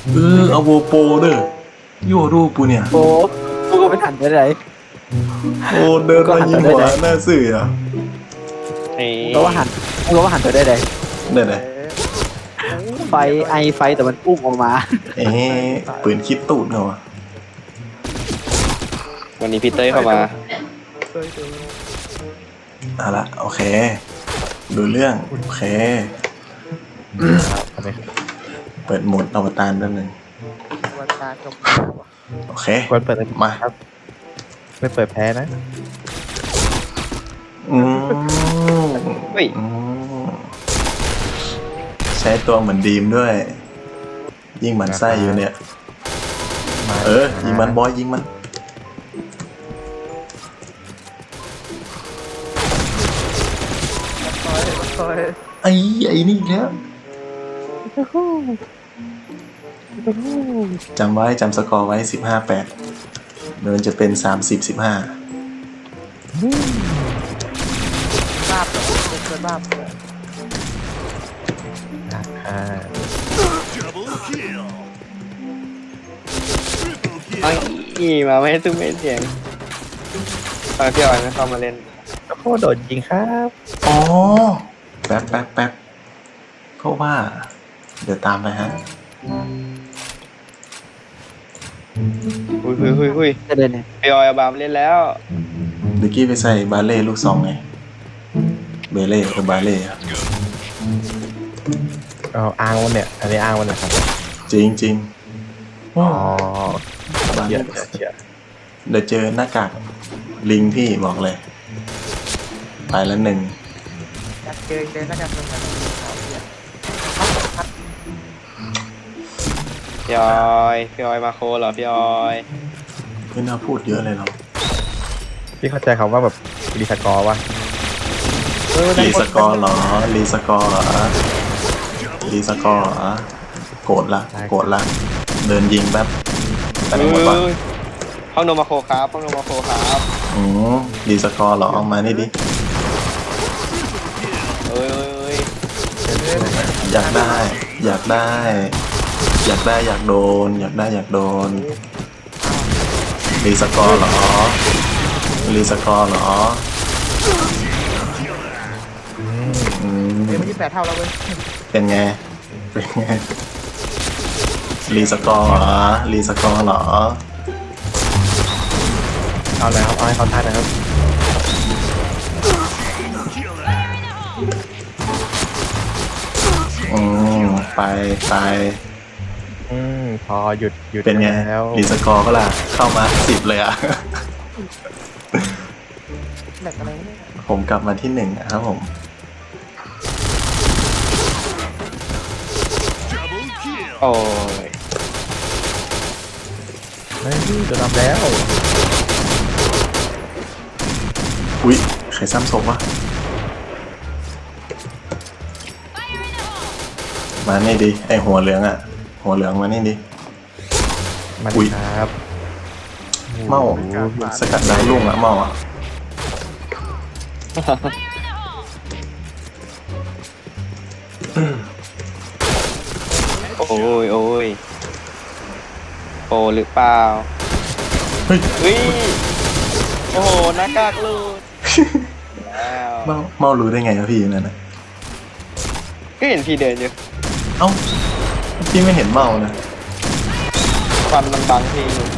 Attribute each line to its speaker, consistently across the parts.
Speaker 1: เอาโวโปเด้อโยรูปูเนี่ย
Speaker 2: โอ้กูก็ไม่ทันได้เลย
Speaker 1: โอ้เดินมายิงหัวหน้าสื่ออ่ะ
Speaker 2: กูก็ว่าหันตัวได้เลย
Speaker 1: เดี๋ยวไหน
Speaker 2: ไฟแต่มันพุ่งออกมา
Speaker 1: ปืนคิดตูดเหรอ
Speaker 3: วันนี้พี่เต้ยเข้ามา
Speaker 1: เอาละโอเคดูเรื่องโอเคเปิดโหมดอวตารแป๊บนึงโอเค
Speaker 4: ควรเปิด
Speaker 1: มา
Speaker 4: ไม่เปิดแพ้นะ
Speaker 1: อืม
Speaker 3: เฮ้ย
Speaker 1: อืมใช้ตัวเหมือนดีมด้วย ยิงมันไส้อยู่เนี่ยยิงมันบอยยิงมันไอ้นี่อีกแล้วจำไว้จำสกอร์ไว้15-8เดี๋ยวมันจะเป็น30-15
Speaker 2: บ้าเป็นคนบ้า
Speaker 3: ไอ้มาไม่ให้ตุ้มไม่เสียงตอนพี่ออยไม่เข้ามาเล่น
Speaker 4: โอ้โหโดดยิงครับ
Speaker 1: อ๋อแป๊บเพราะว่าเดี๋ยวตามไปฮะ
Speaker 3: หุย
Speaker 2: จะเดินเนี่ย
Speaker 3: พี่ออยเอาบามเล่นแล้ว
Speaker 1: เมื่อกี้ไปใส่บาเล่ลูกซองไงเบเล่กับบาเล่ครับ
Speaker 4: เอาอ้างวันเนี่ยอันนี้อ้างวันนะครับ
Speaker 1: จริง
Speaker 4: อ๋อบ
Speaker 1: า
Speaker 4: เย
Speaker 1: เล่
Speaker 4: อะเยอะ
Speaker 1: เดี๋ยวเจอหน้ากากลิงพี่บอกเลย ไปแล้ว1
Speaker 2: อยากเดินแล้วกัน
Speaker 3: พี่ออยมาโคเหรอพี่ออย
Speaker 1: ไม่น่าพูดเยอะเลยหรอก
Speaker 4: พี่เข้าใจคำว่าแบบรีสกอร์วะ
Speaker 1: รีสกอร์เหรอรีสกอร์เหรอรีสกอร์เหรอโกรธละเดินยิงแป๊บไปไหนหมดวะ
Speaker 3: ห้องโนมาโคครับ
Speaker 1: อืมรีสกอร์เหรอออกมานี่ดิ
Speaker 3: เอ้ย
Speaker 1: อยากได้อยากโดนรีสกอร์เหรอ
Speaker 2: เดี๋ยวมัน28 เท่าแล้วเว้ย
Speaker 1: เป็นไงรีสกอร์เหรอ
Speaker 4: เอาเลยครับเอาให้เขาท่านะครับ
Speaker 1: ไป
Speaker 4: พอหยุด
Speaker 1: เป็นไง
Speaker 4: แล้ว
Speaker 1: รีสกอร์ก็ล่ะเข้ามา10เลยอ่ะ
Speaker 2: แหลกอะไรเนี่ย
Speaker 1: ผมกลับมาที่1นะครับผม
Speaker 3: โอ้ย
Speaker 4: ไม่โดนทำแล้ว
Speaker 1: อุ๊ยใครซ้ำศพวะมานี่ดิไอหัวเหลืองมานี่ดิ
Speaker 4: มา
Speaker 1: อุ๊
Speaker 4: ดี
Speaker 1: ย
Speaker 4: ครับ
Speaker 1: เมาสกัดดาวลุ่งอะเมาอะ
Speaker 3: โอ้ยโปหรือเปล่า
Speaker 1: เฮ้ย
Speaker 3: โอ้โหหน้ากากหลุดแล้ว
Speaker 1: เมารู้ได้ไงอะพี่นั่นนะ
Speaker 3: ก็เห็นพี่เดินอยู่
Speaker 1: เอ้าพี่ไม่เห็นเมานะ
Speaker 3: ควันมันบังพี่อยู่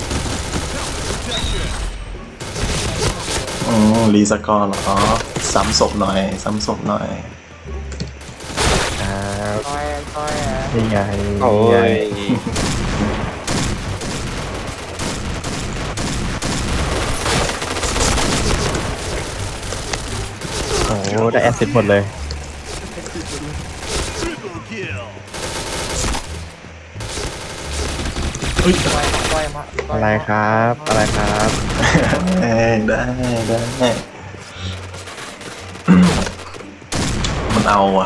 Speaker 1: รีสกอร์เหรอซ้ำศพหน่อย
Speaker 4: ครับ
Speaker 2: คอย
Speaker 4: นี่ไง
Speaker 3: โอ้
Speaker 4: นี่ไง
Speaker 3: ย
Speaker 4: โอ้โหได้แอสซิสต์หมดเลย อะไรครับ
Speaker 1: ได้มันเอาอ่ะ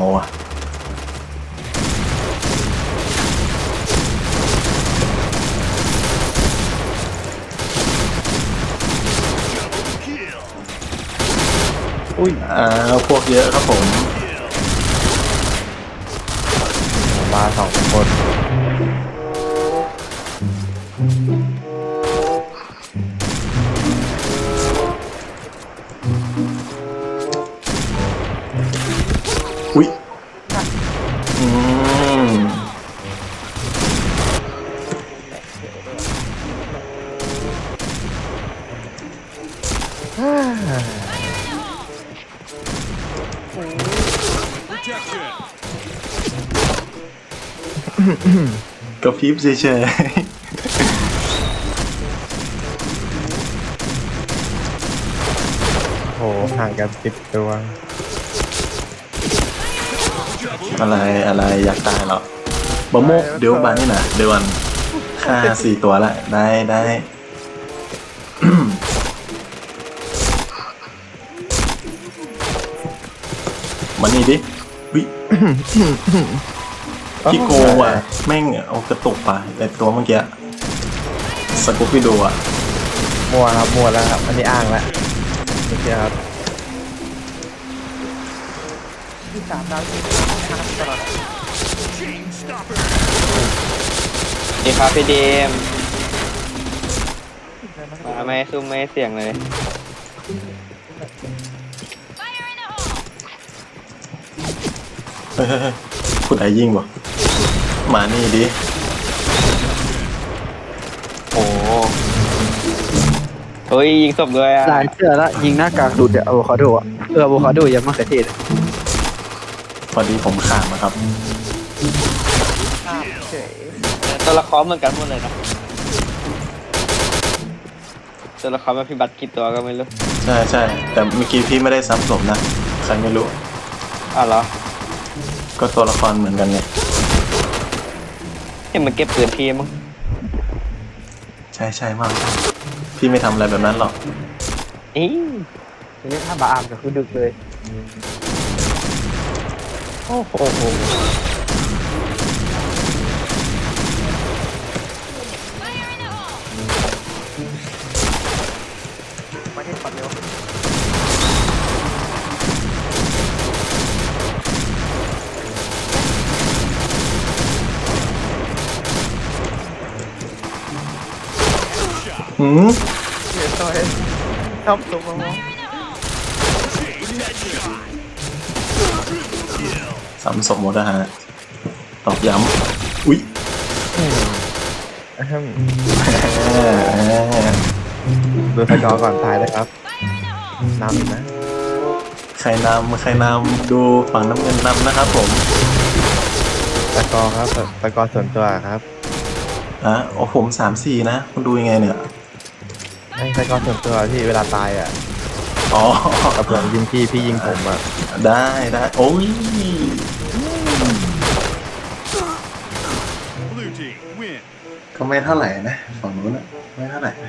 Speaker 4: อุ้ย
Speaker 1: พวกเยอะครับผม
Speaker 4: มา2 คน
Speaker 1: อุ้ยอืม กระพริบเฉย
Speaker 4: โหห่างกัน10 ตัว
Speaker 1: ๆ อะไรอยากตายเหรอบะโมกเดี๋ยวบานนี่นะเดี๋ยววันฆ่า4 ตัวละได้ มานี่ดิวิพี่โกงว่ะแม่งเอากระตุกไปแต่ตัวเมื่อกี้สกูปปี้ดูอ่ะ
Speaker 4: มัวครับมัวแล้วครับอันนี้อ้างแล้วโอเคครับ
Speaker 3: ดีครับพี่เดมมาไม่ซุ้มไม่เสียงเลย
Speaker 1: เฮ้ยคุณไอยิงวะมานี่ดิ
Speaker 3: โอ้เฮ้ยยิงศพด้วยอ่ะ
Speaker 2: หลายเสื้อละยิงหน้ากากดูดอะอะโวคาโดอะอะโวคาโดยังมะเขือเทศอะ
Speaker 1: พอดีผมขาดนะครับ
Speaker 3: ตัวละครเหมือนกันหมดเลยนะตัวละครมาพี่บัตรกี่ตัวก็ไม่รู้
Speaker 1: ใช่แต่เมื่อกี้พี่ไม่ได้ซ้ำศพนะใครไม่รู้
Speaker 3: อ้าวเหรอ
Speaker 1: ก็ตัวละครเหมือนกันไง
Speaker 3: เห็นมันเก็บปืนพี่มั้ง
Speaker 1: ใช่มากพี่ไม่ทำอะไรแบบนั้นหรอก
Speaker 3: อี
Speaker 2: ทีนี้ถ้าบาอามก็คือดึกเลย
Speaker 4: โอ้โห
Speaker 2: มาที่ปัดเร็ว
Speaker 1: หืม
Speaker 2: เดี๋ยวต่อยชอบตัวมอง
Speaker 1: ซ้ำศพหมดนะฮะตอกย้ำอุ๊ย
Speaker 4: อะฮึ่ม
Speaker 1: แหม
Speaker 4: ดูสกอร์ก่อนตายเลยครับนำอีกนะ
Speaker 1: ใครนำดูฝั่งน้ำเงินนำนะครับผม
Speaker 4: สกอร์ครับสกอร์ส่วนตัวครับ
Speaker 1: โอ้ผม3-4นะคุณดูยังไงเนี่ย
Speaker 4: ให้สกอร์ส่วนตัวที่เวลาตายอ่ะ
Speaker 1: อ๋อ
Speaker 4: กับผมยิงพี่ยิงผมอ่ะ
Speaker 1: ได้โอ้ย
Speaker 5: Blue team win.
Speaker 1: ก็ไม่เท่าไหร่นะฝั่งนู้นนะไม่เท่าไหร่